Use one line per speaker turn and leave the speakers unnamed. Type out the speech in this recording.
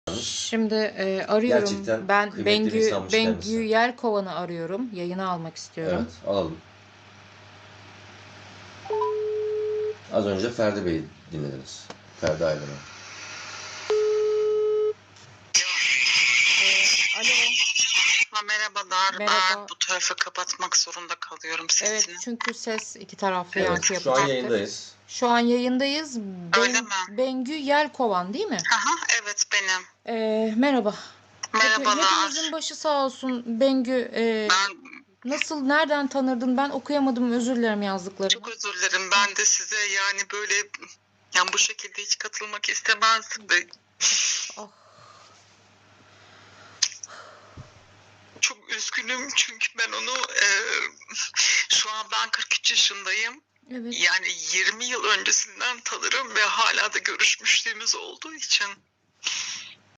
Şimdi arıyorum.
Gerçekten
Ben
kıymetli bir insanmış
Bengü
kendisi.
Yelkovan'ı arıyorum. Yayına almak istiyorum.
Evet, alalım. Az önce Ferdi Bey'i dinlediniz. Ferdi Aydın'ı.
Alo.
Merhabalar.
Merhaba.
Bu tarafı kapatmak zorunda kalıyorum sesini.
Evet, çünkü ses iki taraflı
Evet,
yankı
şu an
yapacaktır.
yayındayız.
Şu an yayındayız.
Öyle mi?
Bengü Yelkovan değil mi?
Aha, evet benim.
Merhaba.
Merhabalar.
Hepimizin başı sağ olsun. Bengü,
Ben
nasıl, nereden tanırdın? Ben okuyamadım, özür dilerim yazdıklarını.
çok özür dilerim. Ben de size yani böyle bu şekilde hiç katılmak istemezdim de.
Ah.
Çok üzgünüm çünkü ben onu şu an ben 43 yaşındayım.
Evet.
Yani 20 yıl öncesinden tanırım ve hala da görüşmüşlüğümüz olduğu için.